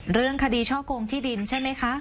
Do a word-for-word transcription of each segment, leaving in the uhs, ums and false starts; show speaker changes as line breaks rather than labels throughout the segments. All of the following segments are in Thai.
เรื่องคดีฉ้อโกงที่ดินใช่ไหมคะ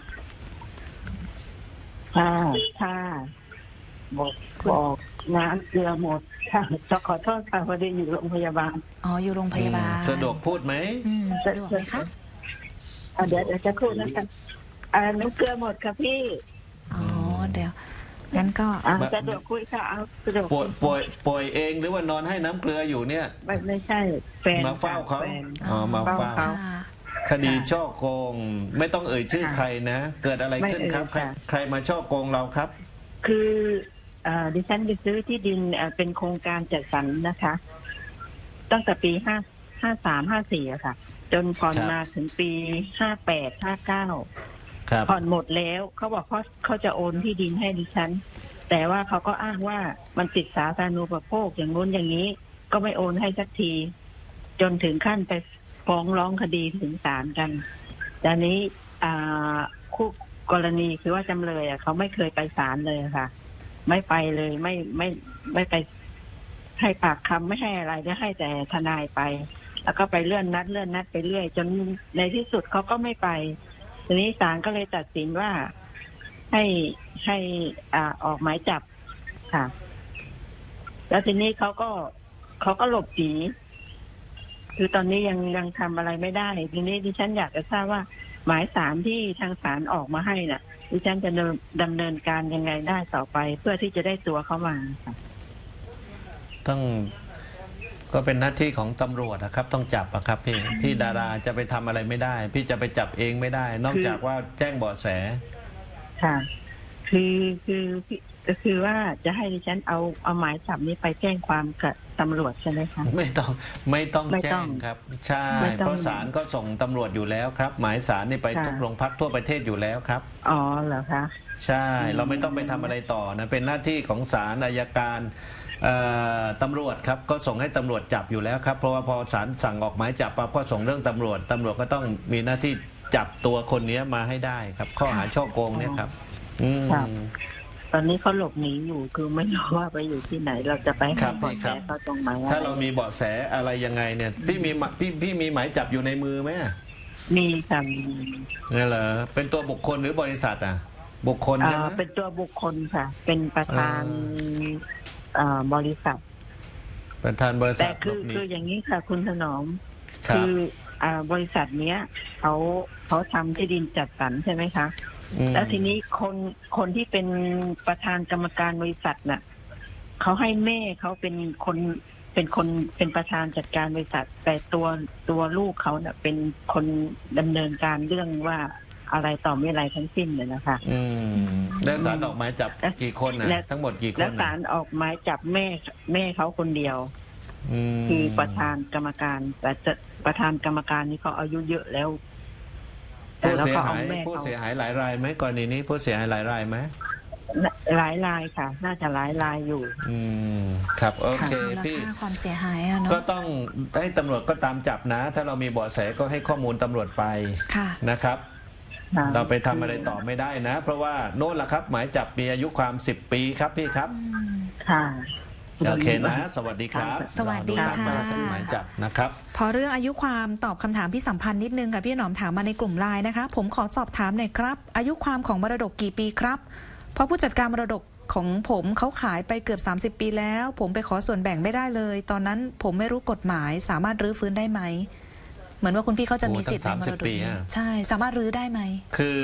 ค่ะค่ะบอกบอกน้ำเกลือหมดค่ะจะขอโทษค่ะพอดีอยู่โรงพยาบาล
อ๋ออยู่โรงพยาบาล
สะดวกพูดไหม
อืมสะดวกไหมคะ
เดี๋ยวเดี๋ยวจะพูดนะคะอ่าน้ำเกลือหมดค่ะพี่
อ๋อเดี๋ยวงั้นก็
สะดวกคุยค่ะเอาสะดวก
ป่วยป่วยป่วยเองหรือว่านอนให้น้ำเกลืออยู่เนี่ย
ไม่ไม่ใช่แฟน
มาเฝ้าเขาอ๋อมาเฝ้าคดีช่อโกงไม่ต้องเอ่ยชื่อใครนะเกิดอะไรขึ้นครับใครใครมาช่อโกงเราครับ
คือดิฉันไปซื้อที่ดินเป็นโครงการจัดสรรนะคะตั้งแต่ปีห้าห้าสามห้าสี่อะค่ะจนผ่อนมาถึงปีห้าแปดห้าเก้าผ่อนหมดแล้วเขาบอกเขาเขาจะโอนที่ดินให้ดิฉันแต่ว่าเขาก็อ้างว่ามันติดสาธารณูปโภคอย่างนู้นอย่างนี้ก็ไม่โอนให้สักทีจนถึงขั้นไปฟ้องร้องคดีถึงศาลกันแต่นี้คู่กรณีคือว่าจำเลยอ่ะเขาไม่เคยไปศาลเลยค่ะไม่ไปเลยไม่ไม่ไม่ไปให้ปากคำไม่ให้อะไรได้ให้แต่ทนายไปแล้วก็ไปเลื่อนนัดเลื่อนนัดไปเรื่อยจนในที่สุดเขาก็ไม่ไปทีนี้ศาลก็เลยตัดสินว่าให้ให้อ่าออกหมายจับค่ะแล้วทีนี้เขาก็เขาก็หลบหนีคือตอนนี้ยังยังทำอะไรไม่ได้ทีนี้ดิฉันอยากจะทราบว่าหมายสารที่ทางศาลออกมาให้น่ะดิฉันจะดำเนินการยังไงได้ต่อไปเพื่อที่จะได้ตัวเขามาค่ะ
ต้องก็เป็นหน้าที่ของตำรวจนะครับต้องจับอะครับพี่พี่ดาราจะไปทำอะไรไม่ได้พี่จะไปจับเองไม่ได้นอกจากว่าแจ้งเบาะแส
ค่ะคือคือก็คือว่าจะให้ดิฉันเอาเอาหมายจับนี้ไปแจ้งความกับตำรวจใช่ไหมคะ
ไม่ต้องไม่ต้องแจ้งครับใช่เพราะศาลก็ส่งตำรวจอยู่แล้วครับหมายศาลนี่ไปทุกโรงพักทั่วประเทศอยู่แล้วครับ
อ๋อเหรอคะ
ใช่เราไม่ต้องไปทำอะไรต่อนะเป็นหน้าที่ของศาลอัยการตำรวจครับก็ส่งให้ตำรวจจับอยู่แล้วครับเพราะว่าพอศาลสั่งออกหมายจับปั๊บก็ส่งเรื่องตำรวจตำรวจก็ต้องมีหน้าที่จับตัวคนนี้มาให้ได้ครับข้อหาฉ้อโกงเนี่ยครับ
ตอนนี้เขาหลบหนีอยู่คือไม่รู้ว่าไปอยู่ที่ไหนเราจะไปหาเบาะแสเขาตรงไหน
ถ้าเรามีเบาะแสอะไรยังไงเนี่ยพี่มีพี่พี่มีหมายจับอยู่ในมือไหม
มีค่ะ
นี่เหรอเป็นตัวบุคคลหรือบริษัทอ่ะบุคคลใช่ไหม
เป็นตัวบุคคลค่ะเป็นประธานบริษัท
ประธานบริษัทแต่
คือคืออย่างนี้ค่ะคุณถนอมคือบริษัทเนี้ยเขาเขาทำที่ดินจัดสรรใช่ไหมคะแล้วทีนี้คนคนที่เป็นประธานกรรมการบริษัทน่ะเขาให้แม่เขาเป็นคนเป็นคนเป็นประธานจัดการบริษัทแต่ตัวตัวลูกเขาเนี่ยเป็นคนดำเนินการเรื่องว่าอะไรต่อไม่อะไรทั้งสิ้นเลยนะคะ
อืมแล้วศาลออกหมายจับกี่คนนะทั้งหมดกี่คน
แล้วศาลออกหมายจับแม่แม่เขาคนเดียวคือประธานกรรมการแต่ประธานกรรมการนี่เขาอายุเยอะแล้ว
ผู้เสียหายผู้เสียหายหลายรายไหมกรณีนี้ผู้เสียหายหลายรายไหม
หลายรายค่ะน่าจะหลายรายอยู่
อืมครับโอเคพี่
ความเสียหายอะเนาะ
ก็ต้องให้ตำรวจก็ตามจับนะถ้าเรามีเบาะแสก็ให้ข้อมูลตำรวจไปนะครับเราไปทำอะไรต่อไม่ได้นะเพราะว่าโน่นล่ะครับหมายจับมีอายุความสิบปีครับพี่ครับ
ค่ะ
โอเคนะสวัสดีครับ
สวัสดีค่ะ
หมายจับนะครับ
พอเรื่องอายุความตอบคำถามพี่สัมพันธ์นิดนึงค่ะพี่หนอมถามมาในกลุ่มไลน์นะคะผมขอสอบถามหน่อยครับอายุความของมรดกกี่ปีครับเพราะผู้จัดการมรดกของผมเขาขายไปเกือบสามสิบปีแล้วผมไปขอส่วนแบ่งไม่ได้เลยตอนนั้นผมไม่รู้กฎหมายสามารถรื้อฟื้นได้ไหมเหมือนว่าคุณพี่เขาจะมีสิทธิ์ในมรดกใช่สามารถรื้อได้ไหม
คือ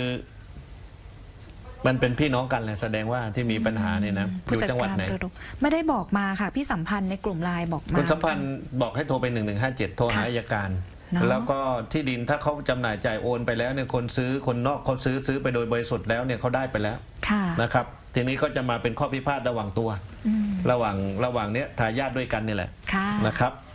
มันเป็นพี่น้องกันเลยแสดงว่าที่มีปัญหาเนี่ยนะอยู่จังหวัดไหน
ไม่ได้บอกมาค่ะพี่สัมพันธ์ในกลุ่มไลน์บอกมา
คุณสัมพันธ์บอกให้โทรไปหนึ่งหนึ่งห้าเจ็ดโทรหาอัยการแล้วก็ที่ดินถ้าเขาจำหน่ายจ่ายโอนไปแล้วเนี่ยคนซื้อคนนอกเขาซื้อซื้อไปโดยบริสุทธิ์แล้วเนี่ยเขาได้ไปแล้วนะครับทีนี้ก็จะมาเป็นข้อพิพาทระหว่างตัวระหว่างระหว่างเนี้ยทายาทด้วยกันนี่แหละนะครับ